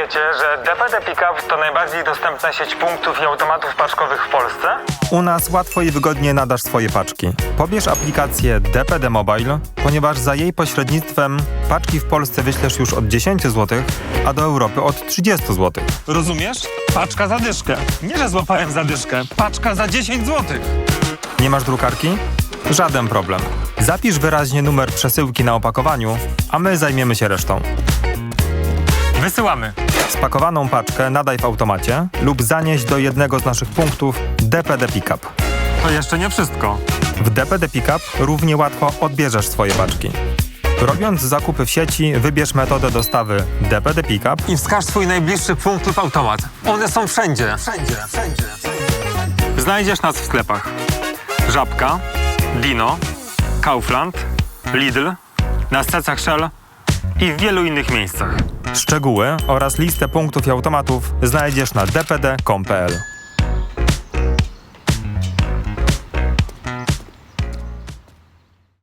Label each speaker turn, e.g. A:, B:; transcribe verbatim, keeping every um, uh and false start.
A: wiecie, że D P D Pickup to najbardziej dostępna sieć punktów i automatów paczkowych w Polsce?
B: U nas łatwo i wygodnie nadasz swoje paczki. Pobierz aplikację D P D Mobile, ponieważ za jej pośrednictwem paczki w Polsce wyślesz już od dziesięć złotych, a do Europy od trzydzieści złotych.
A: Rozumiesz? Paczka za dyszkę. Nie, że złapałem za dyszkę. Paczka za dziesięć złotych.
B: Nie masz drukarki? Żaden problem. Zapisz wyraźnie numer przesyłki na opakowaniu, a my zajmiemy się resztą.
A: Wysyłamy.
B: Spakowaną paczkę nadaj w automacie lub zanieś do jednego z naszych punktów D P D Pickup.
A: To jeszcze nie wszystko.
B: W D P D Pickup równie łatwo odbierzesz swoje paczki. Robiąc zakupy w sieci, wybierz metodę dostawy D P D Pickup
A: I wskaż swój najbliższy punkt lub automat. One są wszędzie. Wszędzie, wszędzie, wszędzie. Znajdziesz nas w sklepach. Żabka, Dino, Kaufland, Lidl, na stacjach Shell i w wielu innych miejscach.
B: Szczegóły oraz listę punktów i automatów znajdziesz na d p d kropka com kropka p l.